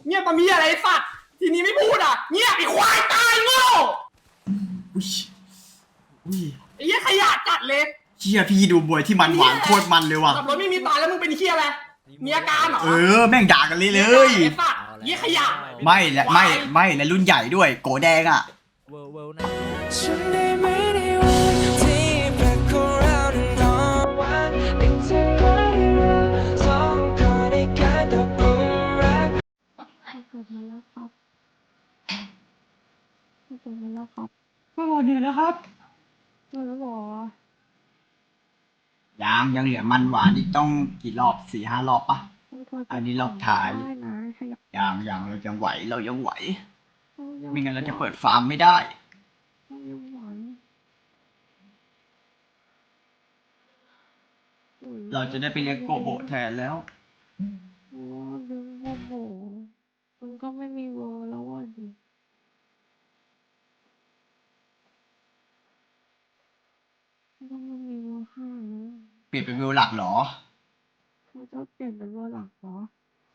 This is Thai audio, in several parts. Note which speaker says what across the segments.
Speaker 1: เงียบมามีอะไรสัตว์ทีนี้ไม่พูดอ่ะเงียบไอ้ควายตายโง่ไอ้เหี้ยขยะจัดเลย
Speaker 2: เฮียพี่ดูบวยที่มันหวานโคตรมันเลยว่ะ
Speaker 1: ขับรถไม่มีตาแล้วมึงเป็นเหี้ยอะไรมีอาการเหรอ
Speaker 2: แม่งด่ากันเลย
Speaker 1: ไอ้สัตว์เหี้ยขยะ
Speaker 2: ไม่และไม่และรุ่นใหญ่ด้วยโกแดงอ่ะ
Speaker 3: ฉันได้ไหมในวันที่แปลกของเรานั้นนอนวันเป็นเธอเราสองคนในการตกหลุมรัก
Speaker 4: ให้เกิดมาแล้วครับให้เกิดมาแล้วครับ
Speaker 2: ก็หมดเหนื่อยแล้วครับ
Speaker 4: มาแล้วหรอ
Speaker 2: ยังเหลือมันหวานอีกต้องกี่รอบ4-5 รอบปะอันนี้รอบถ่าย
Speaker 4: ได้นะขยับ
Speaker 2: ยังเรายังไหว
Speaker 4: ยัง
Speaker 2: ไม่งั้นเราจะเปิดฟาร์มไม่ได้
Speaker 4: ยังหวาน
Speaker 2: เราจะได้ไปเลี้ยงโกโบแทนแล้ว
Speaker 4: โอ้ดึงโอ้โหมันก็ไม่มีเวอร์แล้วอ่ะดิมันก็ไม่มีเวอร์ห้านะ
Speaker 2: เปลี่ยนเป็นวิวหลักเหรอ
Speaker 4: มันจะเปลี่ยนเป็นเวอร์หลักเหรอ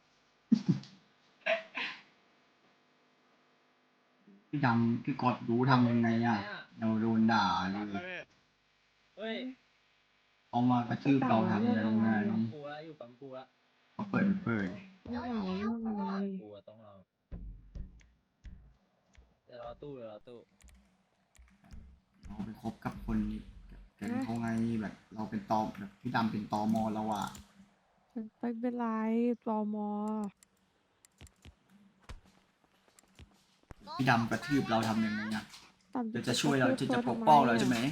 Speaker 2: พี่ดำพี่กดรู้ทำยังไงอ่ะเราโดนด่าเลยเอามากระทืบเราทำยังไง
Speaker 5: ปูละอยู่ปั๊มปูละ
Speaker 2: เขาเปิด
Speaker 4: ไม่เหงาเรื่องอะไร
Speaker 5: ปูอะต้องเราเดี๋ยวรอตู้
Speaker 2: เราไปคบกับคนนี้แกงเขาไงแบบเราเป็นตอแบบพี่ดำเป็นตอมอเราอ่ะ
Speaker 4: ไปเป็นไรตม
Speaker 2: พี่ดำกระทืบเราทำยังไงอ่ะ
Speaker 4: ต่ำ
Speaker 2: จะช่วยเราจะปกป้องเราใช่ไหม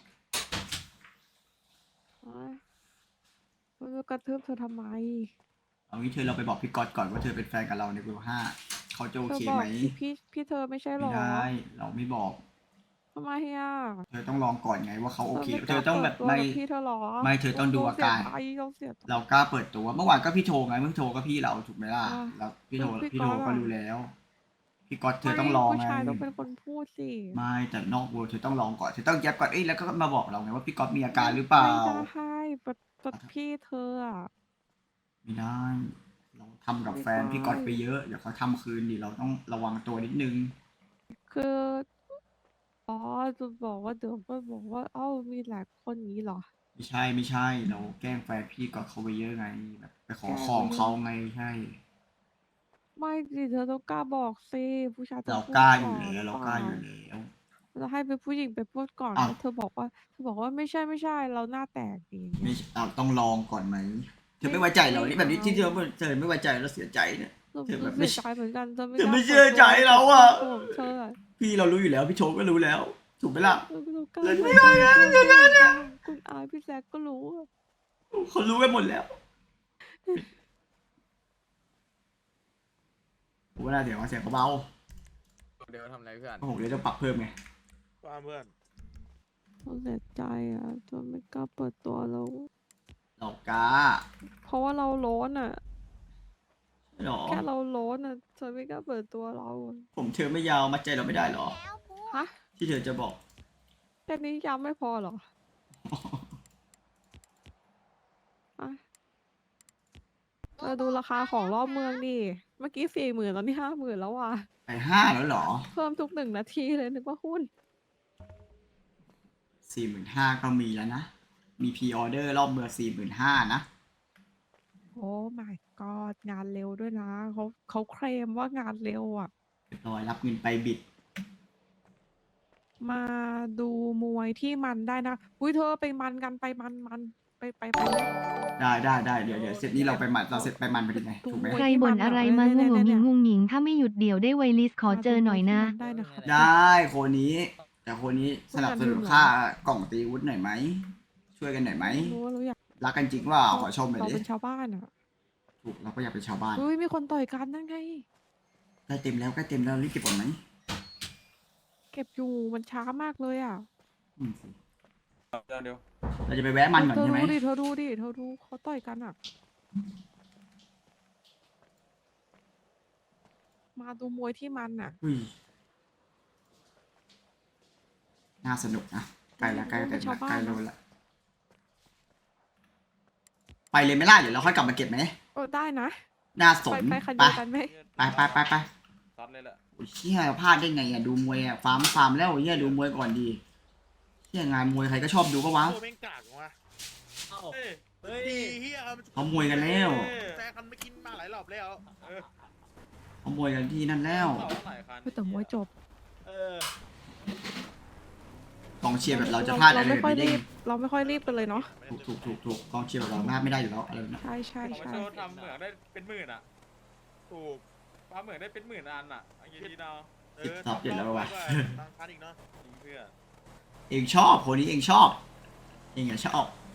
Speaker 4: มันจะกระทืบเธอทำไม
Speaker 2: เอางี้เราไปบอกพี่ก๊อตก่อนว่าเธอเป็นแฟนกับเราในวิว5เขาจะโอ
Speaker 4: เธอ
Speaker 2: เค
Speaker 4: บอ
Speaker 2: ไหม
Speaker 4: กพี่เธอไม่ใช่หร
Speaker 2: ไม่
Speaker 4: อ
Speaker 2: ได้เราไม่บอก
Speaker 4: ทำไมอ่ะ
Speaker 2: เธอต้องลองก่อนไงว่าเขาโอเค
Speaker 4: ไม่
Speaker 2: เธอต้องแบบ
Speaker 4: กล้าเปิดตัวกับพี่เธอหรอ
Speaker 2: ไม่เธอต้องดูอาการ
Speaker 4: ต้องเสียใจ
Speaker 2: เรากล้าเปิดตัวเมื่อวานก็พี่โทรไงเมื่อโทรก็พี่เราถูกไหมล่ะ
Speaker 4: อ่า
Speaker 2: แล้วพี่โทร
Speaker 4: พี่
Speaker 2: พี่
Speaker 4: ก๊
Speaker 2: โท
Speaker 4: อ
Speaker 2: ร
Speaker 4: ต
Speaker 2: ก็
Speaker 4: อะ
Speaker 2: รู้แล้วพี่ก๊อตเธอต้องลอง
Speaker 4: ผู้
Speaker 2: ไง
Speaker 4: ชายต้องเป็นคนพูดสิ
Speaker 2: ไม่แต่นอกเวอร์เธอต้องลองก่อนเธอต้องแยบก่อนแล้วก็มาบอกเราไงว่าพี่ก๊อตมีอาการหรือเปล่า
Speaker 4: ไม่ได้ปัดพี่เธออ่ะ
Speaker 2: ไม่ได้เราทำกับแฟน
Speaker 4: ไม่ได้
Speaker 2: พี่ก๊อตไปเยอะเดี๋ยวเขาทำคืนดิเราต้องระวังตัวนิดนึง
Speaker 4: คืออ๋อจะบอกว่าเดี๋ยวก็บอกว่าเอ้ามีหลายคนอย่างนี้เหรอ
Speaker 2: ไม่ใช่เราแกล้งแฟนพี่ก๊อตเขาไปเยอะไงแบบไปขอ
Speaker 4: แกล้ง
Speaker 2: ของเขาไงใช่
Speaker 4: ไม่สิเธอต้องกล้าบอกสิผู้ชายต้อง
Speaker 2: เรา
Speaker 4: พูด
Speaker 2: กล้าอ
Speaker 4: ก่
Speaker 2: ยู่
Speaker 4: อน
Speaker 2: แล้วเรา
Speaker 4: เป
Speaker 2: กล้า
Speaker 4: ล่า
Speaker 2: อยู่แล้ว
Speaker 4: เราให้เป็นผู้หญิงไปพูดก่อน
Speaker 2: อ้าว
Speaker 4: แล้วเธอบอกว่าไม่ใช่เราหน้าแตกดีอย่าง
Speaker 2: ไม่
Speaker 4: เงี้ย
Speaker 2: เราต้องลองก่อนไหมเธอไม่ไว้ใจเรานี่แบบนี้ที่เธอไม่ไว้ใจเราเสียใจเนี่ย
Speaker 4: เรา
Speaker 2: เธอแบบ
Speaker 4: เสียใจเหมือนกันเธอ
Speaker 2: เธอไม่
Speaker 4: กล้า
Speaker 2: เชื่อใจ
Speaker 4: ปิดตัว
Speaker 2: เราอะ
Speaker 4: ของเธออะ
Speaker 2: พี่เรารู้อยู่แล้วพี่โชคก็รู้แล้ว ถูกไหมล่ะ
Speaker 4: เรากล้า
Speaker 2: เราไม่
Speaker 4: บอก
Speaker 2: ได้นะ
Speaker 4: เธอ
Speaker 2: อย่างนั้นอะ
Speaker 4: คุณอายพี่แซกก็รู้อะ
Speaker 2: เขารู้กันหมดแล้วผมว่าน่าเสียงเขาเบา
Speaker 6: เดี๋ยวทำอะไรเพื่อน
Speaker 2: ผมเลยต้องปรับเพิ่มไง
Speaker 6: ว่าเพื่อน
Speaker 4: เราเสียใจอ่ะเธอไม่กล้าเปิดตัวเรา
Speaker 2: เรากล้า
Speaker 4: เพราะว่าเราร้อนอ่ะ
Speaker 2: หรอ
Speaker 4: แค่เราร้อนอ่ะเธอไม่กล้าเปิดตัวเราอะ
Speaker 2: ผมเธอไม่ยาวมัดใจเราไม่ได้หรอ
Speaker 4: ฮะ
Speaker 2: ที่เธอจะบอก
Speaker 4: แค่นี้ย้ำไม่พอเหรออะเธอดูราคาของรอบเมืองดิเมื่อกี้40,000ตอนนี้50,000แล้วอ่ะ
Speaker 2: ไป5แล้วหรอ
Speaker 4: เพิ่มทุก1 นาทีเลยนึกว่าหุ้น
Speaker 2: 45,000ก็มีแล้วนะมีพรีออเดอร์รอบเบอร์45,000นะ
Speaker 4: โอ้ my god งานเร็วด้วยนะเขาเคลมว่างานเร็วอ่ะ
Speaker 2: เรียบร้อยรับเงินไปบิด
Speaker 4: มาดูมวยที่มันได้นะอุ้ยเธอไปมันกันไปมันไป
Speaker 2: ได้เดี๋ยวเสร็จนี้เราไปมันเราเสร็จไปมันไปดีไงถูกไหม
Speaker 4: ดู
Speaker 7: ใครบ่นอะไรมางุ่งหงิงงุ่งหงิงถ้าไม่หยุดเดี๋ยวได้ไวลิสขอเจอหน่อยนะ
Speaker 4: ได้นะครับ
Speaker 2: ได้คนนี้แต่คนนี้สนับสนุนค่ากล่องตีวุฒิหน่อยไหมช่วยกันหน่อยไหม
Speaker 4: รู้ว่าเราอยาก
Speaker 2: รักกันจริงว่าขอชมหน่อย
Speaker 4: เรา
Speaker 2: ดิ
Speaker 4: เป็นชาวบ้านอ่ะ
Speaker 2: ถูกเราก็อยากเป็นชาวบ้าน
Speaker 4: อุ้ยมีคนต่อยกันนั่นไง
Speaker 2: ใกล้เต็มแล้วรีบเก็บก่อนไหม
Speaker 4: เก็บอยู่มันช้ามากเลยอ่ะ
Speaker 2: อืมสิ
Speaker 6: เดี๋ยว
Speaker 2: เราจะไปแวะมันก่อน
Speaker 4: เธอ
Speaker 2: ใช่ไหม
Speaker 4: ดูดิเขาต่อยกันอ่ะ มาดูมวยที่มันอ่ะ
Speaker 2: อุ้ยน่าสนุกนะใกล้ละใกล้
Speaker 4: เป็
Speaker 2: เต็
Speaker 4: น
Speaker 2: ม
Speaker 4: ชา
Speaker 2: ละ
Speaker 4: วบ้าน
Speaker 2: ใกล้โลละไปเลยไหมล่ะเดี๋ยวเราค่อยกลับมาเก็บไหม
Speaker 4: ได้นะ
Speaker 2: น่าสน
Speaker 4: ไปคัน
Speaker 2: ไป
Speaker 4: เดียวกันไหม
Speaker 2: ไป
Speaker 6: ซัดเลยแหละ
Speaker 2: โอ้ยเชี่ยพลาดได้ไงอ่ะดูมวยอ่ะฟาร์มแล้วเฮียดูมวยก่อนดีเชี่ยงานมวยใครก็ชอบดูปะวะ
Speaker 8: โอ้แม่งกากว่ะ
Speaker 5: เอ้า
Speaker 8: เฮ้ย
Speaker 5: เฮ้ย
Speaker 8: ดีเฮีย
Speaker 2: เขามวยกันแล้ว
Speaker 8: แซงกันไม่กินมาหลายรอบแล้ว
Speaker 2: เขามวยกันที่นั่นแล้ว
Speaker 6: เราหลายคัน
Speaker 4: แต่มวยจบ
Speaker 5: เออก
Speaker 2: องเชียร์แบบเราจะพลาดอะไร
Speaker 4: ไม่
Speaker 2: แบบ
Speaker 4: ค่อย
Speaker 2: นี้ได้
Speaker 4: รี
Speaker 2: ไง
Speaker 4: บ เราไม่ค่อยรีบกันเลยเนาะ
Speaker 2: ถูกกองเชียร์แบบเราพลาดไม่ได้อยู่แล้วอะไรแบบนี้
Speaker 4: ใช่ใช่
Speaker 6: เราไม่
Speaker 4: ใช่
Speaker 6: โชว์ทำเหมืองได้เป็นหมื่นอ่ะ ถูกฟ้าเหมืองได้เป็นหมื่นอันอ่ะอันนี้ดีเนาะ
Speaker 2: ติดท็อปอยู่แล้ววะ
Speaker 8: ตั้งคันอีกเนาะ
Speaker 6: ยิงเพื่อน
Speaker 2: เองชอบคนนี้เองชอบเองอย่าชอบ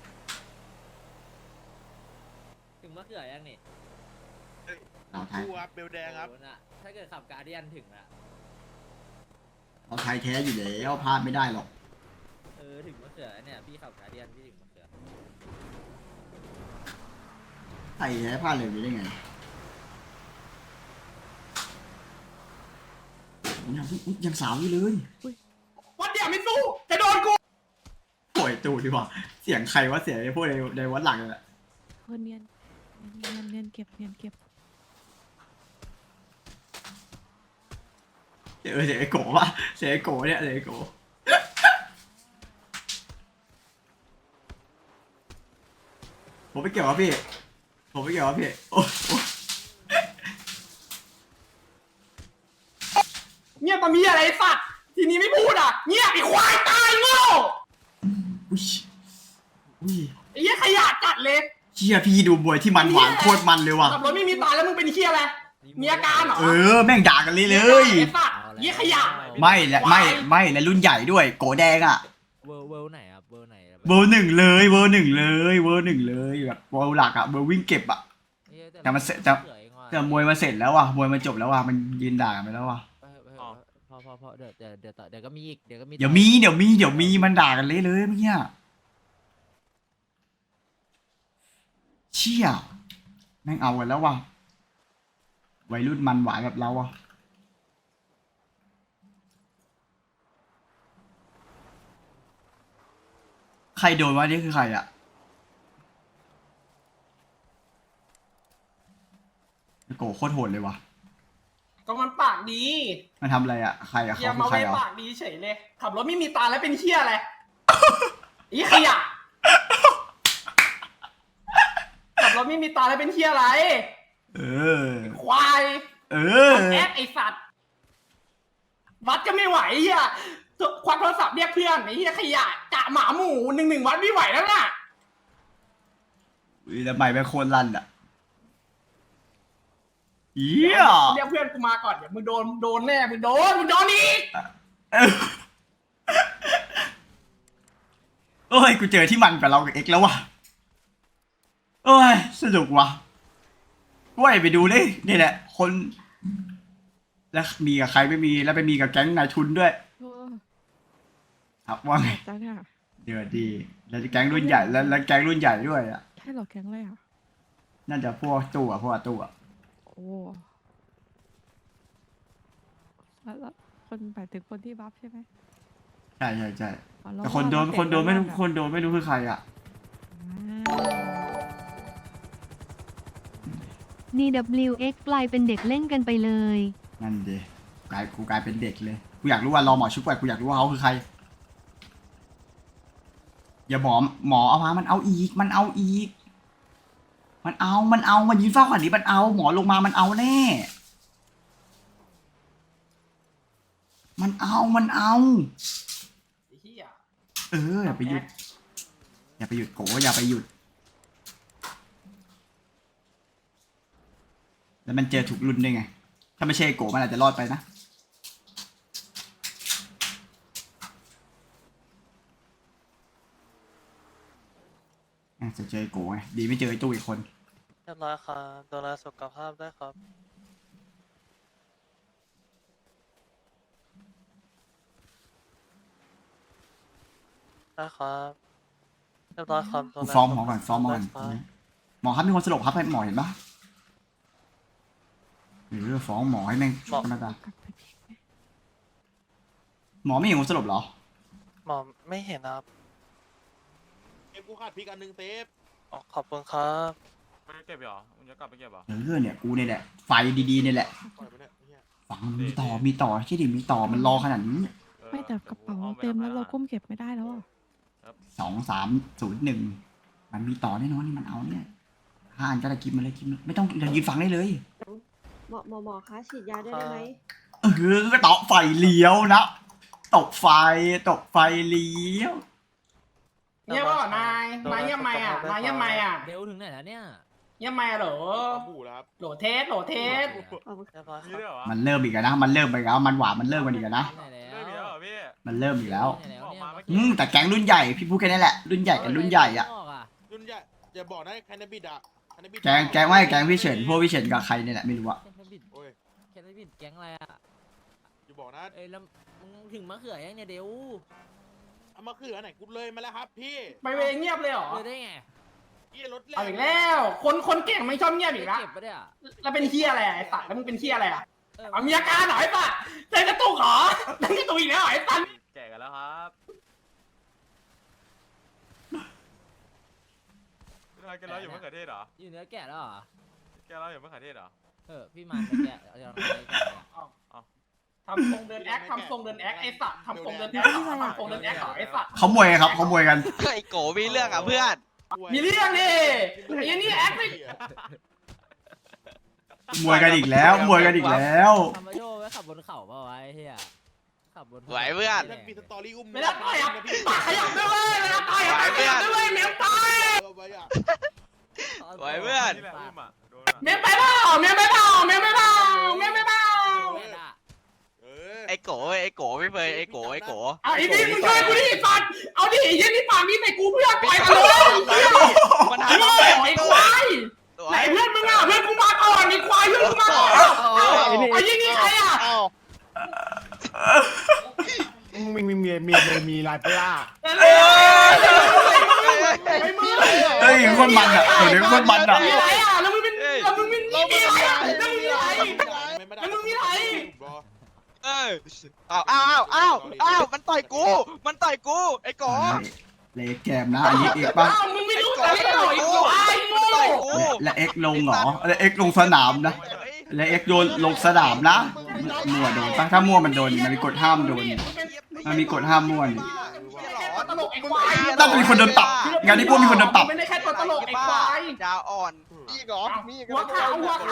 Speaker 5: ถึงมะเขือยังนี่
Speaker 2: เราไทย
Speaker 8: ดูครับเบลแดงครับ
Speaker 5: โอ้น่ะถ้าเกิดขับการเดียนถึงละ
Speaker 2: เราไทยแท้อยู่แล้วพลาดไม่ได้หรอก
Speaker 5: เออถึงมะเขือเนี่ยพี่ขับการเดียนพี่ถึงมะเขือ
Speaker 2: ไทยแท้พลาดเลยได้ไงยังสาวอยู่เลย
Speaker 1: วัดเดียวไม่สู้จะโดนกู
Speaker 2: ป่วยตูดดีกว่าเสียงใครว่าเสียงไอ้พวกในวัดหลังนั่นแหละ
Speaker 4: เนียนเก็บเนียนเก็บ
Speaker 2: เสียงไอ้โกะวะเสียงไอ้โกะเนี่ยเสียงไอ้โกะผมไม่เกี่ยววะพี่ผมไม่เกี่ยววะพี่โอ้
Speaker 1: เงียบตะมีอะไรไอ้สัตว์ทีนี้ไม่พูดอ่ะเงียบไอ้ควายตายโง่
Speaker 2: อุ้ย
Speaker 1: ไอ้เหี้ยขยะจัดเลย
Speaker 2: เชี่ยพี่ดูมวยที่มันหวานโคตรมันเลยว่ะ
Speaker 1: ขับรถไม่มีตาแล้วมึงเป็นเหี้ยอะไรมีอาการเหรอ
Speaker 2: เออแม่งด่ากันเลยเลย
Speaker 1: ไอ้สัตว์เหี้ยขยะ
Speaker 2: ไม่และรุ่นใหญ่ด้วยโกแดงอ่ะ
Speaker 5: เวิร์ไหนครับเวิร์ไหน
Speaker 2: เบอร์หนึ่งเลยเบอร์หนึ่งเลยแบบเบอร์หลักอ่ะเบอร์วิ่งเก็บอ่ะ แต่มันเสร็จแต่มวยมาเสร็จแล้วว่ะมวยมันจบแล้วว่ะมันยืนด่ากันไปแล้วว่ะ
Speaker 5: พอเดี๋ยวก็มีอีกเดี๋ยวก็มี
Speaker 2: เดี๋ยวมีมันด่ากันเลยเมื่อกี้เชี่ยแม่งเอากันแล้วว่ะวัยรุ่นมันหวานแบบเราอ่ะใครโดนวะนี่คือใครอ่ะโกโคตรโหดเลยว่ะ
Speaker 1: ก็มันปากดี
Speaker 2: มันทำอะไรอ่ะใครอ่ะ
Speaker 1: อย่า
Speaker 2: เขาคือ
Speaker 1: มา
Speaker 2: ใคร
Speaker 1: ไว้
Speaker 2: อ่ะ
Speaker 1: ปากดีเฉยเลยขับรถไม่มีตาแล้วเป็นเหี้ยอะไรไอ้ขยะขับรถไม่มีตาแล้วเป็นเหี้ยอะไร
Speaker 2: เออ
Speaker 1: ควาย
Speaker 2: เออ
Speaker 1: แอดไอสัตว์วัดก็ไม่ไหวเฮียควักโทรศัพท์เรียกเพื่อนไอ้เฮียขยะกะหมาหมู1-1วัดไม่ไหวแล้วน่ะ
Speaker 2: อุ้ยแล้วใหม่แม่งโคตรลั่นอ่ะเยี่ย
Speaker 1: เรียกเพื่อนกูมาก่อนเดี๋ยวมึงโดนแน่มึงโดนอีก
Speaker 2: โอ้ยกูเจอที่มันกับเรากับเอ็กแล้วว่ะโอ้ยสนุกว่ะว้ยไปดูเลยนี่แหละคนแล้วมีกับใครไม่มีแล้วไปมีกับแก๊งนายทุนด้วย
Speaker 4: โอ้
Speaker 2: ครับว่าไง
Speaker 4: จ้าเนี่ย
Speaker 2: เดือดดีแล้วแก๊งรุ่นใหญ่แล้วแก๊งรุ่นใหญ่ด้วยอ่ะ
Speaker 4: ใช่เหรอแก๊งอะไรอ่ะ
Speaker 2: น่าจะพวกตู้อ่ะ
Speaker 4: โอ้แล้วคนหมายถึงคนที่บัฟใช่ไหม
Speaker 2: ใช่
Speaker 4: อ๋อแล้ว
Speaker 2: แต่คนโดน
Speaker 4: ว่า
Speaker 2: คนโดนไม่รู้
Speaker 4: เตะ
Speaker 2: คนโดนไม่รู้คือใครอ่ะ
Speaker 7: DWX กลายเป็นเด็กเล่นกันไปเลย
Speaker 2: นั่นดิกูกลายเป็นเด็กเลยกูอยากรู้ว่ารอหมอชุบก่อนกูอยากรู้ว่าเขาคือใครอย่าหมอเอามามันเอาอีกมันยืนเฝ้าขนาดนี้มันเอาหมอลงมามันเอาแน่มันเอา
Speaker 1: ไอ้เฮีย
Speaker 2: อย่าไปหยุดโกอย่าไปหยุดแล้วมันเจอถูกรุ่นได้ไงถ้าไม่ใช่โกมันอาจจะรอดไปนะจะเจอโกไงดีไม่เจอไอ้ตู้อีกคน
Speaker 9: เรียบร้อยครับดูแลสุขภาพด้วยครับได้ครับเรียบร้อยครับดู
Speaker 2: กู
Speaker 9: แล
Speaker 2: ฟ้องหมอก่อนฟ้องหมอก่อน
Speaker 9: สุขภาพด้วยครับ
Speaker 2: หมอครับมีคนสลบครับให้หมอเห็นปะฟ้องหมอให้แม่งธรรมดาหมอไม่เห็นคนสลบเหรอ
Speaker 9: หมอไม่เห็นนะครับ
Speaker 8: เอฟกูขาดพริกอันหนึ่งเซฟ
Speaker 9: อ๋อขอบคุณครับ
Speaker 6: ไปเก็บเหรอมึงจะกลับไปเก็บเหรอ
Speaker 2: เนี่ยกูเนี่ยแหละไฟดีๆเนี่ยแหละ
Speaker 8: ปล่อยไปเนี่ยเหี้ย
Speaker 2: ฝังมีต่อใช่ดิมีต่อมันรอขนาดนี้
Speaker 4: ไม่แต่กระเป๋าเราเต็มแล้วเราก้มเก็บไม่ได้แล้วอ่ะ
Speaker 2: 2301มันมีต่อแน่นอนนี่มันเอาเนี่ย5 อันก็ได้กินมาเลยกินไม่ต้องยืนฟังได้เลย
Speaker 10: หมอคะฉีดยาได้ไหม
Speaker 2: ต่อไฟเลี้ยวนะตกไฟเลี้ยว
Speaker 1: เงียบเปล่านายเงียบไหมอ่ะนายเงียบไหมอ่ะ
Speaker 5: เร็วถึงไหนแล้วเนี่ย
Speaker 1: เงียบไหมเหรอ
Speaker 8: ปลาบูแล้วครับ
Speaker 1: โหลเทส
Speaker 10: ขอบคุณ
Speaker 9: เรียบร้อย
Speaker 6: มี
Speaker 9: ครับ
Speaker 6: ด้วยเหรอวะ
Speaker 2: มันเริ่มอีกแล้วนะมันเริ่มไปแล้วมันหวานมันเริ่มกันอีกแล้วนะ
Speaker 5: ที่ไหนแล้
Speaker 6: เริ่มมีแล้ว
Speaker 5: ว
Speaker 6: เหรอพี่
Speaker 2: มันเริ่มอีกแล้ว
Speaker 5: ที่ไหนแล้วเนี่ย
Speaker 6: ออกมาเมื่อกี้
Speaker 2: แต่แก๊งรุ่นใหญ่พี่พูดแค่นี้แหละรุ่นใหญ่กับรุ่นใหญ่อะ
Speaker 8: รุ่นใหญ่อย่าบอกนะแคนาบิดอะแคนาบิด
Speaker 2: แก๊งไม่แก๊งพี่เฉินพวกพี่เฉินกับใครเนี่ยแหละไม่รู้อะ
Speaker 5: แคนบิด
Speaker 8: โอ้ย
Speaker 5: แคนบิดแก๊งอะไรอ่ะ
Speaker 8: อย่าบอกนะ
Speaker 5: เอ้ยแล้วมึงถึงมะเขือยังเนี่ยเดี๋ยว
Speaker 8: เอามาคืออันไหนกูเลยมาแล้วครับพี่
Speaker 1: ไปเวเงียบเลยเหรอ
Speaker 5: เจอได้ไง
Speaker 8: พี่รถแร
Speaker 1: เอาอีกแล้ว คนเก่งไม่ชอบเงียบอีกแล้ว
Speaker 5: เก็บปะเนี่ย
Speaker 1: แล้วเป็นเฮียอะไรไอ้สัตว์แล้วมึงเป็นเฮียอะไรอ่ะ
Speaker 5: เออ
Speaker 1: เอามีอาการเหรอไอ้สัตว์เต้นกระตุกเหรอเต้นกระตุกอีกแล้วเหรอไอ้สัตว์
Speaker 6: แก่กันแล้วครับแกเราอยู่มะเขือเทศเหรอ
Speaker 5: อยู่เนื้อแกะแล้วเหรอ
Speaker 6: แกเราอยู่มะเขือเทศเหรอ
Speaker 5: พี่มันไปแกะเอาจะลองไปแกะเนี่ย
Speaker 1: ทำทรงเดินแอคไอ้สัตว์ทำทรงเดินแอคทำทรงเดินแอคเหรอไอ้สัตว์
Speaker 2: เขามวยครับเขามวยกัน
Speaker 9: ไอ้โกมีเรื่องอ่ะเพื่อน
Speaker 1: มีเรื่องดิไอ้นี่แอคไม่
Speaker 2: มวยกันอีกแล้วมวยกันอีกแล้ว
Speaker 5: ทำมาโยไว้ขับบนเขาเปล่าวะไอ้เหี้ยขับบนเขา
Speaker 9: ไหวเพื่อน
Speaker 8: นั่นมีสตอรี่อุ้ม
Speaker 1: ไม่ได้ต่อยอ่ะปากขยับด้วยเวยไม่ได้ต่อยอ่ะปากขยับด้วยเวยเมียมตาย
Speaker 8: ไว้อะ
Speaker 9: ไหวเพื่อน
Speaker 6: นี่แหละอุ้มอ่ะโดนอ่ะ
Speaker 1: เมียไปเปล่าเมียไปเปล่าเมียไปเปล่าเมียไปเปล่า
Speaker 8: เออ
Speaker 9: ไอ้โกไม่เคยไอ้โก
Speaker 1: เอาไอ้นี่มึงช่วยกูดิสัตว์เอาดิไอ้ยี่นี่ปากนี่ใส่กูเพื่อนปล่อยกันเลย
Speaker 9: มัน
Speaker 1: ไอ้
Speaker 9: หา
Speaker 1: โง่ไอ้ควายไหนเพื่อนมึงอ่ะเพื่อนกูมาก่อนไอ้ควายเพื่อนกูมาก่อนไอ้ยี่นี่ใครอ่ะ
Speaker 8: มีลายปลา
Speaker 1: ไอ้มึง
Speaker 2: เฮ้ยคนมันอะเดี๋ยวคนมันอะ
Speaker 1: มีอะไรอ่ะแล้วมึงเป็นแล้วมึงมีอะไรอ่ะแล้วมึงมีอะไรแล้วมึงมีอะไร
Speaker 9: อ้าวมันต่อยกูไอ้โก
Speaker 2: เลแกมนะอันนี้เอกป่ะ
Speaker 1: อ้าวมึงไม่รู้แต่เล่นหน่อยควายโง่
Speaker 9: ต่อยกู
Speaker 2: และเอ็กลงเหรอและเอ็กลงสนามนะและเอ็กโยนลงสนามนะมั่วโดนปะถ้ามั่วมันโดนมันมีกฎห้ามโดนมันมีกฎห้ามมั่วนี่
Speaker 1: ตลกไอ้ควาย
Speaker 2: ต้องมีคนโดนปรับงานนี้พวกมีคนโดนปรับ
Speaker 1: ไม่ได้แค่ตัวตลกไอ้ควาย
Speaker 9: ดาวอ่อน
Speaker 8: อีกเหรอมีอีก
Speaker 1: หัวขาว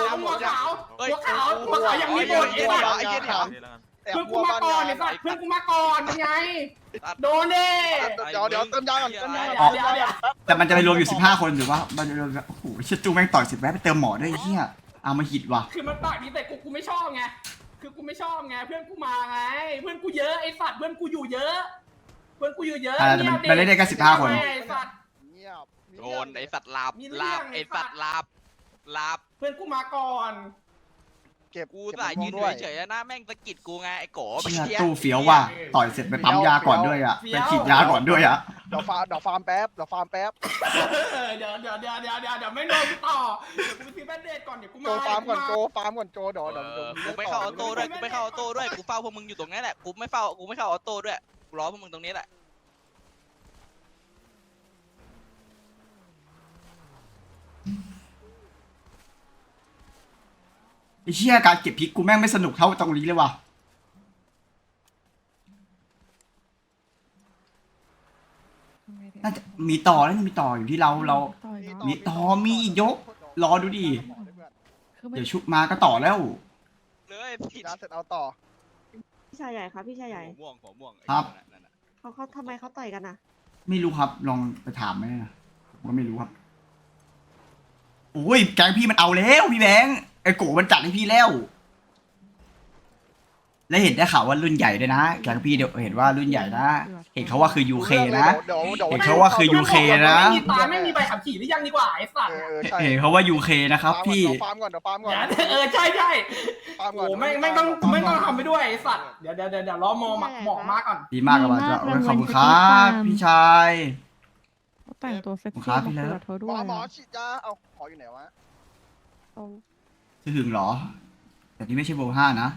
Speaker 1: อย่างนี้โดนไอ้สัตว์
Speaker 9: ไอ้เหี้ยเดี๋ยว
Speaker 1: เพื่อนกูมาก่อนไอ้สัตว์เพื่อนกูมาก่อนเป็นไงโดนดิ
Speaker 8: เดี๋ยวเติมยาก่อนเติมยา
Speaker 1: เดี๋ยว
Speaker 2: แต่มันจะไปรวมอยู่15 คนหรือว่ามันจะรวมโอ้โหเชิดจูแม่งต่อย10แวะไปเติมหมอด้วยไอ้เหี้ยเอามาหิดว่ะ
Speaker 1: คือมันปากนี้แต่กูไม่ชอบไงคือกูไม่ชอบไงเพื่อนกูมาไงเพื่อนกูเยอะไอ้สัตว์เพื่อนกูอยู่เยอะเพื่อนกูอยู่เยอะ
Speaker 2: แต่มันเล่นได้แค่15 คน
Speaker 1: ไอ้สัตว์
Speaker 8: เงียบ
Speaker 9: โดนไอ้สัตว์ลาบไอ้สัตว์ลาบ
Speaker 1: เพื่อนกูมาก่อน
Speaker 8: เก็บ
Speaker 9: กูสายยืนเฉยๆหน้าแม่งสะกิดกูไงไอ้โก
Speaker 2: เชี่ยตู้เฟี้ยวว่ะต่อยเสร็จไปปั๊มยาก่อนด้วยอ่ะไปฉีดยาก่อนด้วยอ่ะ
Speaker 8: เดี๋ยวฟาร์มแป๊บเดี๋ยว
Speaker 1: เดี๋ยวไม่โดนต่อเดี๋ยวกูไปซื้อแบนเดดก่อนเดี๋ยวกูมา
Speaker 8: โจฟาร์มก่อนโจเดี๋ยว
Speaker 9: กูไม่เข้าออโต้ด้วยกูเฝ้าพวกมึงอยู่ตรงนี้แหละกูไม่เข้าออโต้ด้วยกูรอพวกมึงตรงนี้แหละ
Speaker 2: ไอ้เชี่ยการเก็บพริกกูแม่งไม่สนุกเท่าตรงนี้เลยว่ะน่าจะมีต่อแล้วมีต่ออยู่ที่เรา
Speaker 4: ต่อยเนาะ
Speaker 2: มีต่อมีอีกยกรอดูดิ
Speaker 4: คือไม่
Speaker 2: เดี๋ยวชุบมาก็ต่อแล้ว
Speaker 9: เลยผิด
Speaker 8: ร้านเสร็จเอาต่อ
Speaker 10: พี่ชายใหญ่ครับพี่ชายใหญ่
Speaker 9: หัวม่วง
Speaker 2: ครับ
Speaker 10: เขาทำไมเขาต่อยกันนะ
Speaker 2: ไม่รู้ครับลองไปถามไหมนะผมก็ไม่รู้ครับโอ้ยแกงพี่มันเอาแล้วพี่แบงค์ไอ้โกมันจัดให้พี่แล้ว และเห็นได้ข่าวว่ารุ่นใหญ่ด้วยนะแกงพี่เดี๋ยวเห็นว่ารุ่นใหญ่นะเห็นเขาว่าคือ UK นะ เห็นเขาว่าคือ UK นะ
Speaker 1: ไม่มีตาไม่มีใบขับขี่หรือยังดีกว่าไอ้สัตว์
Speaker 8: ใช่
Speaker 2: เห็นเขาว่า UK นะครับพี่
Speaker 8: ฟาร์มก่อนเดี๋ยวฟาร์มก่อน
Speaker 1: ใช่
Speaker 8: ฟาร์มก่
Speaker 1: โอ้
Speaker 8: อน
Speaker 1: ไม่ต้องทำไปด้วยไอ้สัตว์เดี๋ยวรอหมอมาก่อน
Speaker 2: ดีมากครับอาจารย์ขอบคุณครับพี่ชาย
Speaker 4: เขาแต่งตัวเซ็ก
Speaker 2: ค
Speaker 4: ซี่
Speaker 2: รับ
Speaker 4: มา
Speaker 2: พี่
Speaker 4: คุ
Speaker 2: เลิ
Speaker 4: ย
Speaker 2: ฟ
Speaker 4: กับเธอด้
Speaker 8: หม
Speaker 4: ว
Speaker 8: อย ฉีดยาเอาหมออยู่ไหนวะ
Speaker 4: เอา
Speaker 2: จะหึงเหรอ แต่นี่ไม่ใช่โบ5นะ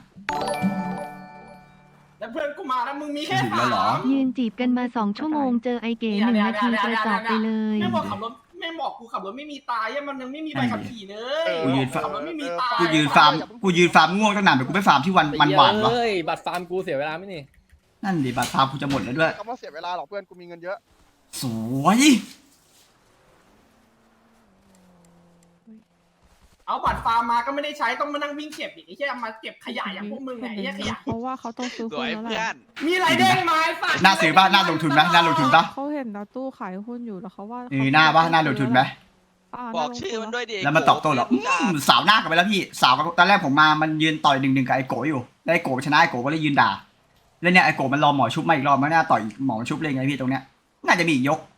Speaker 1: แล้วเพื่อนกูมาแล้วมึงมีแค่
Speaker 2: ถึงแล้วเหรอ
Speaker 7: ยืนจีบกันมา2 ชั่วโมงเจอไอเก๋1 นาทีกระจอกไปเลย
Speaker 1: ไม่บอกขับรถไม่ม่งบอกกูขับรถไม่มีตายยังมันยังไม่มีใบขับขี่เลย
Speaker 2: กูยืน
Speaker 1: ขับรถไม่มีตาย
Speaker 2: กูยืนฟาร์มง่วงตั้งนานเดี๋ยวกูไปฟาร์มที่วันมันหวานวะ
Speaker 5: เฮ้ยบัตรฟาร์มกูเสียเวลาไหมนี่
Speaker 2: นั่นดิบัตรฟาร์มกูจะหมดแล้วด้วย
Speaker 8: คำว่าเสียเวลาหรอกเพื่อนกูมีเงินเยอะ
Speaker 2: สวย
Speaker 1: เอาบัตรฟาร์มมาก็ไม่ได้ใช้ต้องมานั่งวิ่งเก็บอีกไอ้เหี้ยมาเก็บขยะอย่างพวกมึงไงไอ้เหี้ยขยะ
Speaker 4: เพราะว่าเขาต้องซื้อ
Speaker 9: ส
Speaker 4: หุ้
Speaker 9: วน ย
Speaker 4: แล้วแห
Speaker 9: เพื่อ
Speaker 4: ละ
Speaker 9: น
Speaker 1: มีอะไรเด้งมาไอ้สัตว์
Speaker 2: น่าซื้อป่ะน่าลงทุนไหมน่าลงทุนป่ะ
Speaker 4: เขาเห็นดาวตู้ขายหุ้นอยู่แล้วเขาว่า
Speaker 2: หน้าป่ะน่าลงทุนไหม
Speaker 9: บอกชื่อมันด้วยดิ
Speaker 2: แล้วมันตอบโต้เหรอสาวหน้ากันไปแล้วพี่สาวตอนแรกผมมามันยืนต่อย1-1กับไอโกอยู่แล้วไอโกชนะไอโกก็เลยยืนด่าแล้วเนี่ยไอโกมันรอหมอชุบมาอีกรอบมันน่าต่อยหมอชุบเลยไงพี่ตรงเนี้ยน่าจะมีอีกยก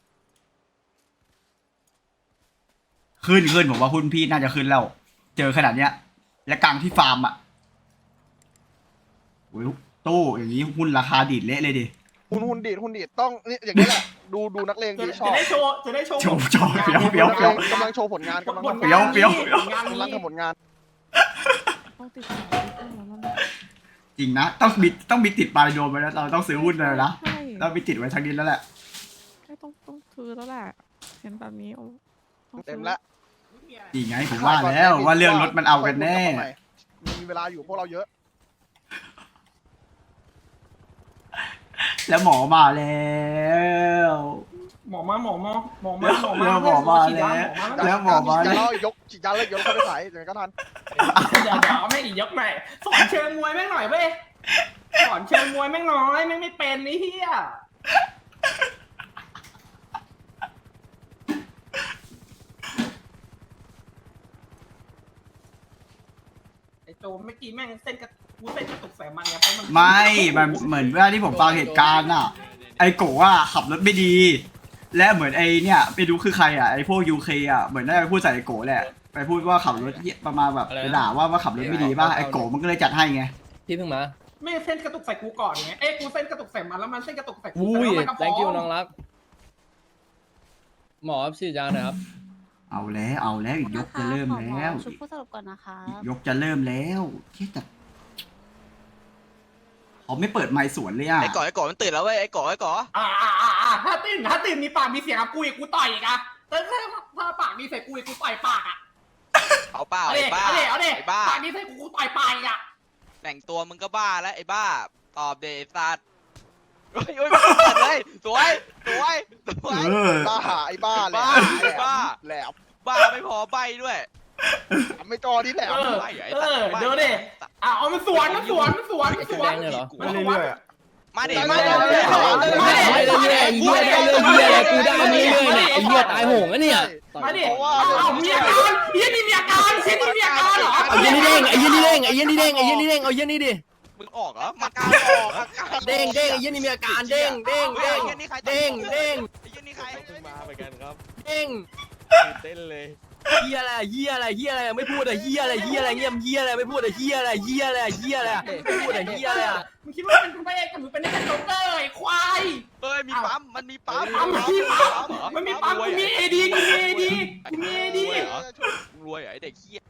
Speaker 2: ขึ้นผมว่าหุ้นพี่น่าจะขึ้นแล้วเจอขนาดเนี้ยและกลางที่ฟาร์มอ่ะโอ้ยตู้อย่างนี้หุ้นราคาดีดเละเลยดิ
Speaker 8: หุ่นดีดต้องนี่อย่างนี้แหละดูนักเลงดีชอบ
Speaker 1: จะได้โชว์
Speaker 2: โชว์เฟี้ยว
Speaker 8: กำลังโชว์ผลงานกำลังทำ
Speaker 2: เฟี้ยว
Speaker 1: งาน
Speaker 8: กำลัง
Speaker 1: นี้
Speaker 8: ทำผลงาน
Speaker 4: ต้องติดต่อหุ้นแล้วมัน
Speaker 2: จริงนะต้องมีติดปลายโดมไว้แล้วเราต้องซื้อหุ้นเลยนะ
Speaker 4: ใช่
Speaker 2: ต้องมีติดไว้ทางนี้แล้วแหละ
Speaker 4: ต้องซื้อแล้วแหละเห็นแบบนี้ต้องซื้อ
Speaker 8: เต็มแล้ว
Speaker 2: จริงไงผมว่าแล้วว่าเรื่องรถมันเอากันแน่
Speaker 8: มีเวลาอยู่พวกเราเยอะ
Speaker 2: แล้วหมอมาแล้ว
Speaker 1: หมอมา
Speaker 2: แล้วหมอมาแล้วหมอมา
Speaker 8: ฉีด
Speaker 2: แล้
Speaker 8: ยาว แล้วฉีดยาแล้วยกเข้าไปขายเดี๋ยวก็ทัน
Speaker 1: เดี๋ยวแม่งอีกยกใหม่สอนเชิงมวยแม่งหน่อยเว้ยสอนเชิงมวยแม่งน้อยแม่งไม่เป็นนี่เฮียไอ้โจเมื่อกี้แม่งเส้นกระตุกใส่มันเนี่ยเพราะมัน
Speaker 2: ไม่มันเหมือนเวลาที่ผมฟังเหตุการณ์อ่ะไอโกะขับรถไม่ดี และเหมือนไอเนี่ยไปดูคือใครอ่ะไอพวกยูเคอ่ะเหมือนได้ไปพูดใส่ไอโกะแหละไปพูดว่าขับรถประมาณแบบไปด่าว่าขับรถไม่ดีป่ะไอโกะมันก็เลยจัดให้ไง
Speaker 5: พี่เพิ่งมา
Speaker 1: ไม่เส้นกระตุกใส่กูก่อนไงเอ้ยกูเส้นกระตุกใส่มันแล้วมันเส้นกระตุกใส่กู
Speaker 5: อุ้ย
Speaker 1: แล้วมันก็ฟ้
Speaker 5: thank you น้องรัก หมอฉีดยาหน่อยครับ
Speaker 2: เอาแล้วอีกยกจะเริ่มแล้ว
Speaker 10: ชุดผู้สรุปก่อนนะคะ
Speaker 2: อีกยกจะเริ่มแล้วที่แต่เขาไม่เปิดไมค์สวนเลยอ่ะ
Speaker 9: ไอ้ก่อมันตื่นแล้วเว้ยไอ้ก่อ
Speaker 1: ถ้าตื่นมีปากมีเสียงกับกูอีกกูต่อยอีกอะถ้าปากมีใส่กูอีกกูต่อยปากอะ
Speaker 9: เอาเปล่า
Speaker 1: เอา
Speaker 9: ไอ้บ้า
Speaker 1: ดิ
Speaker 9: ไอ้บ้า
Speaker 1: ปากมีใส่กูต่อยปากอีกอะ
Speaker 9: แต่งตัวมึงก็บ้าแล้วไอ้บ้าตอบเดซัดโอ้ยไม่เปิดเลยสวย
Speaker 8: บ้าไอ้บ้าแหลมแหลม
Speaker 9: บ้าไม่พอใบด้วย
Speaker 8: ไม่จอที่แหลม
Speaker 1: เดี๋ยวดิเอามันสวน
Speaker 5: แดงเลยเหรอ
Speaker 1: มันสวน
Speaker 9: มาดิ
Speaker 5: ไม่ได้เรื่อยๆไอ้เหี้ยได้เรื่อยๆกูได้เรื่อยๆเนี่ยไอ้เหี้ยตายโหงอะเนี่ย
Speaker 1: มาดิเอามีอาการเฮียนี่มีอาการเฮียนี่มีอาการเหรอ
Speaker 5: เอาเหี้ยนี่เด้งไอ้เหี้ยนี่เด้งไอ้เหี้ยนี่เด้งไอ้เหี้ยนี่เด้งเอาเหี้ยนี่ดิ
Speaker 9: มึงออกเหรอมาการออก
Speaker 5: เด้งไอ้เหี้ยนี่มีอาการเด้งเด้ง
Speaker 9: ไอ้เหี้ยนี่ใคร
Speaker 5: เด้ง
Speaker 9: ไอ้เหี้ยนี่ใคร
Speaker 6: เพิ่งมาเหมือนกันครับ
Speaker 5: เด้ง
Speaker 6: ตื่นเต้นเลย
Speaker 5: เหี้ยอะไรไม่พูดอะเหี้ยอะไรเงียบเหี้ยอะไรไม่พูดอะเหี้ยอะไรไม่พูดอะเหี้ยอะไร
Speaker 1: มึงคิดว่าเป็นพระเอกกับมึงเป็นแค่โจ๊กเกอร์ไอ้ควาย
Speaker 9: เอ้ยมีปั๊มมันมีปั๊ม
Speaker 1: มันมีปั๊มกูมีเอดีกูมีเอดี
Speaker 9: รวยเหรอไอ้เด็กเหี้ย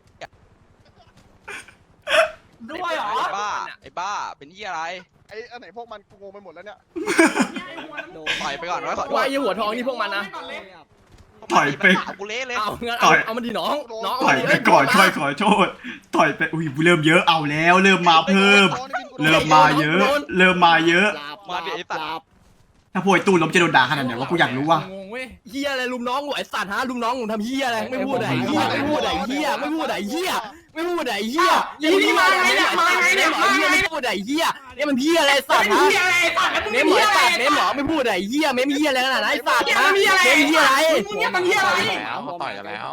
Speaker 1: ด้วยเหรอ
Speaker 9: ไอ้บ้าเป็นเหี้ยอะไร
Speaker 8: ไอ้อันไหนพวกมันกูงงไปหมดแล้วเนี่ย
Speaker 9: ต่อยไปก่อนไว้ก่อน
Speaker 5: ว่าไอ้หัวทองนี่พวกมันนะ
Speaker 2: ต่อยไป
Speaker 9: กูเละเลย
Speaker 5: เอางั้นเอามันดิน้อง
Speaker 2: ต่อยไปก่อนค่อยขอโทษต่อยไปอุ้ยเริ่มเยอะเอาแล้วเริ่มมาเพิ่ม เริ่มมาเยอะ
Speaker 9: มาดิไอ้สัตว์
Speaker 2: ถ้าพวกไอ้ตู้ล้มจะโดนด่าขนาดไหนวะกูอยากรู้ว่ะ
Speaker 5: งงเว้ยเหี้ยอะไรลุมน้องหัวไอ้สัตว์ฮะลุมน้องผมทำเหี้ยอะไรไม่พูดไหนเหี้ยไม่พูดไหนเหี้ยไม่พูดไหนเหี้ยไม่พูดไหนเหี้ยนี่มาไงเนี่ยเหี้ยไม่พูดไหนเหี้ยนี่มันเหี้ยอะไรสัตว์ฮะเนมหมอสัตว์เนมหมอไม่พูดไหนเหี้ยเมมเหี้ยอะไรขนาดนั้นไอ้สัตว์ฮะเมมเหี้ยอะไร
Speaker 1: มันเหี้ยอะไร
Speaker 6: ต่อยกันแล้ว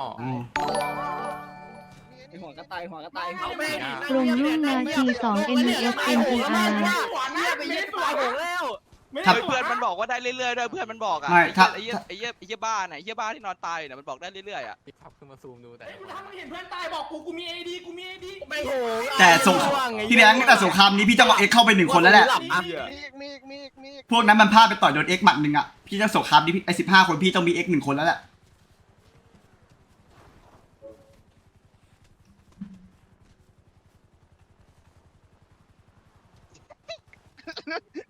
Speaker 5: หัวกระต่ายเอาแม่
Speaker 7: กลุ่มรุ่นนาที2 NUS NPR
Speaker 5: ไปยึดตัวโหงแล้ว
Speaker 9: เพื่อนมันบอกว่าได้เรื่อยๆด้วยเพื่อนมันบอกอ่ะ
Speaker 2: ไม่ถ้า
Speaker 9: ไอ้เหี้ยบ้าไหนเหี้ยบ้าที่นอนตายเนี่ยมันบอกได้เรื่อยๆอ่ะ
Speaker 6: พี่ขับขึ้นมาซูมดูแต่
Speaker 1: ถ้ามึงเห็นเพื่อนตายบอกกูมีเอดี
Speaker 5: ไม่โหง
Speaker 2: แต่สงพี่แบงค์แต่สงครามนี้พี่จะเอาเอ็กเข้าไป1คนแล้วแหละ
Speaker 8: มี
Speaker 2: พวกนั้นมันพลาดไปต่อยโดนเอ็กหมัดหนึ่งอ่ะพี่จะสงครามนี้ไอ้15 คนพี่ต้องมีเอ็ก1 คนแล้วแหละ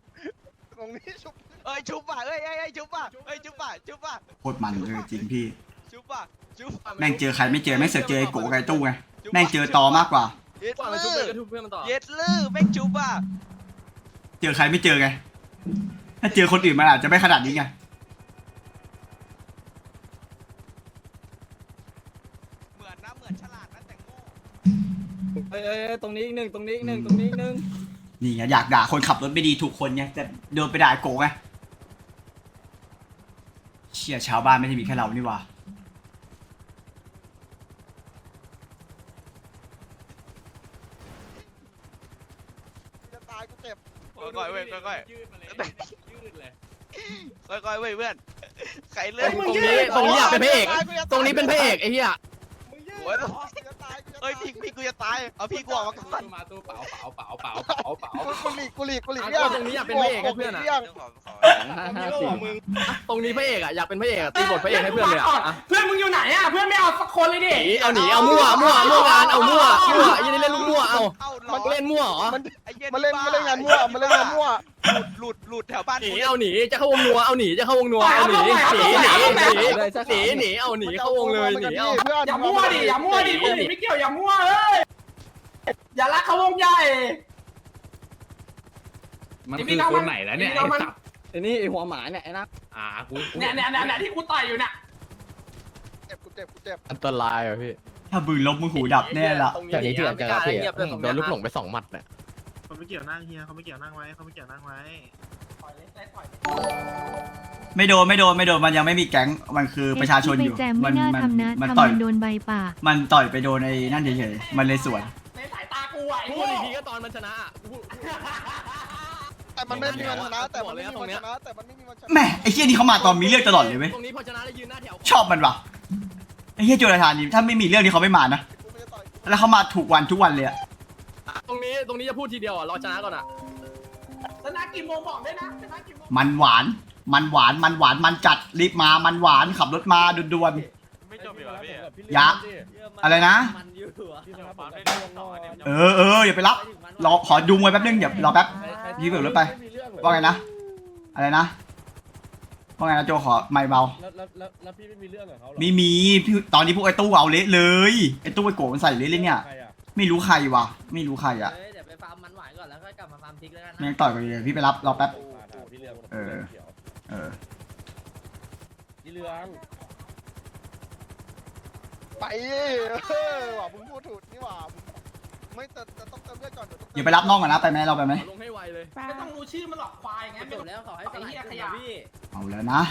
Speaker 8: ตรงนี้ชุบ
Speaker 9: ชุบป่ะชุบป่ะชุบป่ะ
Speaker 2: โคตรมันจริงพี่
Speaker 9: จุ๊บป่ะจุ๊บ
Speaker 2: แม่งเจอใครไม่เจอแม่งเสือกเจอไอ้โกกับไอ้ตู้ไงแม่งเจอตอมากกว่า
Speaker 9: เย็ด
Speaker 5: ว่ามัน
Speaker 9: ลื
Speaker 5: ชุบเลย
Speaker 9: อ
Speaker 5: ก็ทุบเพื่อนมันต่อ
Speaker 9: เย็ดลือแม่งจุ๊บป่ะ
Speaker 2: เจอใครไม่เจอไงถ้าเจอคนอื่นมันอาจจะไม่ขนาดนี้ไง
Speaker 9: เหมือนนะเหมือนฉลาดนะแต่งโง่
Speaker 5: ตรงนี้อีกหนึ่งตรงนี้อีกหนึ่งตรงนี้อีกหนึ่ง
Speaker 2: นี่ไงอยากด่าคนขับรถไม่ดีถูกคนไงแต่โดนไปด่าไอ้โกไงเชี่ยชาวบ้านไม่ได้มีแค่เรานี่หว่า
Speaker 8: จะตายกูเจ็บ
Speaker 9: ค่อยๆเว้ยค่อย
Speaker 5: ยืดมาเลยยืดเลย
Speaker 9: ๆค่อยๆเว้ยเพื่อนใครเลื
Speaker 5: ต
Speaker 9: อก
Speaker 5: รงนี้อยากเป็นพระเอกตรงนี้เป็นพระเอกไอ้เหี้ย
Speaker 8: มึงยืด
Speaker 9: โอ้ย
Speaker 8: กูจะตายกูจะตาย
Speaker 9: เอ้ยพี่กูจะตายเอาพี่กูออกมาก่อน
Speaker 5: มาตู้เปล่า
Speaker 8: กูหลีก
Speaker 5: ต
Speaker 8: เลี่ยง
Speaker 5: รงนี้อยากเป็นพระเอกให้เพื่อนอ่ะ
Speaker 8: ลี่ยง
Speaker 5: ตรงนี้พระเอกอ่ะอยากเป็นพระเอกตีบทพระเอกให้เพื่อนเลยอ่ะ
Speaker 1: เพื่อนมึงอยู่ไหนอ่ะเพื่อนไม่เอาสักคนเลยดิ
Speaker 5: เอาหนีเอามั่วงานเอามั่วยันนี่เล่นลูกมั่วเอา
Speaker 9: มัน
Speaker 5: เล่นมั่วเหรอ
Speaker 8: มาเล่นงานมั่วมาเล่นงานมั่ว
Speaker 9: หลุดแถวบ้าน
Speaker 5: หนีเอาหนีจะเข้าวงนัวเอาหนีจะเข้าวงนัวเอาหนีเอาหนีเข้าวงเลยหนีเอา
Speaker 8: เพื่อน
Speaker 1: อย่ามั่วดิอย่ามั่วดิคนอื่นไม่เกี่ยวอย่ามั่วเอ้ยอย่ารักเขาวงใหญ่
Speaker 5: มันคือคนไหนแล้วเนี่ยไอ้นี่ไอ้หัวหมาเนี่ยไอ้นะกู
Speaker 1: เนี่ยที่กูต่อยอยู่เนี่ย
Speaker 8: กูเจ็บ
Speaker 5: อันตรายอ่ะพี่
Speaker 2: ถ้าบึงลบมึงหูดับแน่ละ
Speaker 5: จากนี้ที่อาจจะโดนลูกหลงไป2 หมัดเนี่ย
Speaker 6: เขาไม่เกี่ยวนั่งเฮียเขาไม่เกี่ยวนั่งไว้เขาไม่เกี่ยวนั่งไว้
Speaker 2: ไม่โดนมันยังไม่มีแก๊งมันคือประชาชนอยู่
Speaker 7: ไปแจมไม่น่าทำนะ
Speaker 2: มัน
Speaker 7: ทำ
Speaker 2: ต่อย
Speaker 7: มันโดนใบป่า
Speaker 2: มันต่อยไปโดนไอ้นั่นเฉยๆมันเลยสวน
Speaker 1: ในสายตากูอ่ะไอ้
Speaker 5: พู
Speaker 1: โง่
Speaker 5: ดอีกทีก็ตอนมันชนะ
Speaker 8: แต่มันไม่มีวันชนะแต่มันไม่มีวันชนะแต่มันไม่มีวันชนะ
Speaker 2: แม่ไอ้เหี้ยนี่เขามาตอนมีเรื่องตลอดเลยเว้ย
Speaker 5: ตรงนี้พอชนะแล้วยืนหน้าแถว
Speaker 2: ชอบมันว่ะไอ้เหี้ยโจรทานนี่ถ้าไม่มีเรื่องที่เขาไม่มานะแล้วเขามาถูกวันทุกวันเลยอะ
Speaker 5: ตรงนี้จะพูดทีเดียวอ่ะรอชนะก่อนอ่ะ
Speaker 1: ชนะกี่โมงบอกด้วยนะชนะกี่โมง
Speaker 2: มันหวานมันจัดรีบมามันหวานขับรถมาด่วน
Speaker 6: ไม่จบอีกเหรอพี่
Speaker 2: ๆยะอะไรนะ เอออย่าไปรับรอขอดูมวยแป๊บนึงเดี๋ยวรอแป๊บยืมเบิกรถไปว่าไงนะอะไรนะว่าไงนะโจขอไม่เบา
Speaker 6: แล้วพี่ไม่มีเรื่องกับเขาหรอ
Speaker 2: ไม่มีพี่ตอนนี้พวกไอ้ตู้เอาเละเลยไอ้ตู้ไอ้โกมันใส่เละเลยเนี่ยไม่รู้ใครวะไม่รู้ใครอ่ะ
Speaker 5: เดี๋ยวไปฟาร์มมันหวานก่อนแล้วค่อยกลับมาฟาร์มพริกแล้วกัน
Speaker 2: แม่งต่อยกันเลยพี่ไปรับรอแป๊บ เออ
Speaker 6: พี่เรือง
Speaker 8: ไปว่ะมึงพูดถูกนี่ว่ะไม่แต่ต้องเติมเลือดก่อนเดี๋ยว
Speaker 2: อย่าไปรับน้องก่อนนะไปไหมเราไปไหม
Speaker 5: ลงให้ไวเลย
Speaker 1: ไม่ต้องรู้ชื่อมันหรอกควายไง
Speaker 5: จบแล้วขอให้สลายกลุ่มพี่
Speaker 2: เอาแล้วนะ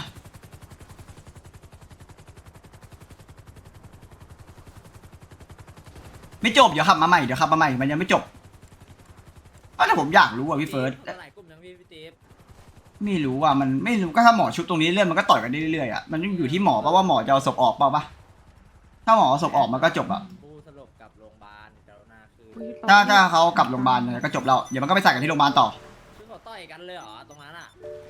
Speaker 2: ไม่จบเดี๋ยวขับมาใหม่มันยังไม่จบแต่ผมอยากรู้อ่ะพี่เฟิร์ส
Speaker 5: สลายกลุ่มยังพี่ติ๊บ
Speaker 2: ไม่รู้อ่ะมันไม่รู้ก็ถ้าหมอชุบตรงนี้เรื่อยมันก็ต่อยกันได้เรื่อยๆอ่ะมันอยู่ที่หมอป่ะว่าหมอจะเอาศพออกเปล่าปะถ้าหมอเอาศพออกมันก็จบอ่ะ
Speaker 5: ผู้สลบกับโรงพยาบาลเจ้าหน้าคือ
Speaker 2: ถ้าเขากลับโรงพยาบาลเนี่ยก็จบแล้วเดี๋ยวมันก็ไปใส่กันที่โรงพยาบาลต่อ
Speaker 5: คือเขาต่อยกันเลยเหรอตรงนั้นอ่ะ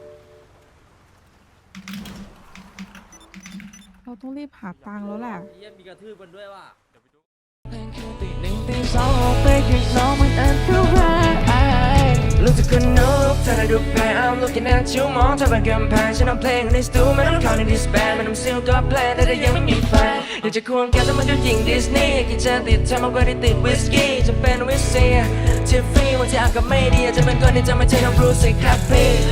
Speaker 4: เราต้องรีบหาตังค์แล้วแหละ
Speaker 5: เยี่ยมมีกระทืบกันด้วยว่ะ
Speaker 3: รู้สึกคนนกเธอได้ดูแพ้ I'm looking at you มองเธอเป็นกำแพงฉันเอาเพลงในสตูไม่ต้องเข้าในดิสแบนไม่ต้องซิลก็แพลนแต่ยังไม่มีแฟนอยากจะควงแกแต่มันก็ยิงดิสนีย์กินจะติดเธอมากกว่าที่ติดวิสกี้จะเป็นวิสเซียทิฟฟี่วันที่อากาศไม่ดีอาจจะเป็นคนที่จะไม่ใช่น้องบรูซสิครับพี่